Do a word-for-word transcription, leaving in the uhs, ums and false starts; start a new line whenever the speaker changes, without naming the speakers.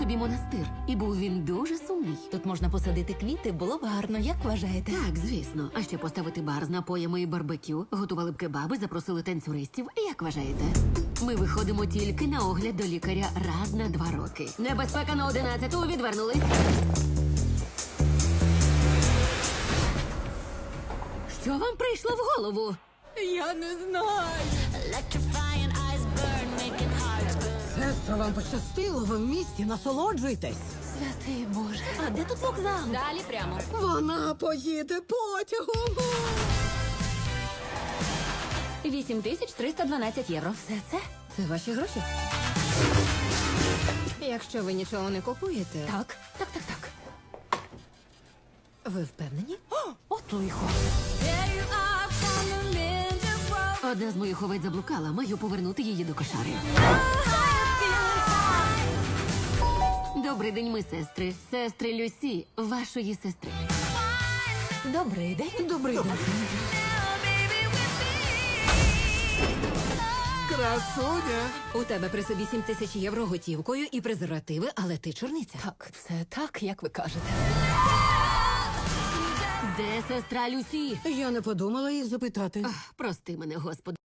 собі монастир. І був він дуже сумний.
Тут можна посадити квіти, було б гарно, як вважаєте?
Так, звісно. А ще поставити бар з напоями і барбекю, готували б кебаби, запросили танцюристів. Як вважаєте? Ми виходимо тільки на огляд до лікаря раз на два роки. Небезпека на одинадцяту, відвернулись. Що вам прийшло в голову?
Я не знаю.
Сестро, вам пощастило, ви в місті, насолоджуйтесь.
Святий Боже. А де тут вокзал?
Далі прямо.
Вона поїде потягом.
вісім тисяч триста дванадцять євро. Все це?
Це ваші гроші? Якщо ви нічого не купуєте,
Так, так, так, так.
ви впевнені?
От лихо.
Одна з моїх овець заблукала, маю повернути її до кошари. Добрий день, ми сестри. Сестри Люсі, вашої сестри.
Добрий день.
Добрий день.
Красуня!
У тебе при собі сім тисяч євро готівкою і презервативи, але ти чорниця.
Так, все так, як ви кажете.
Де сестра Люсі?
Я не подумала їх запитати.
Ах, прости мене, Господи.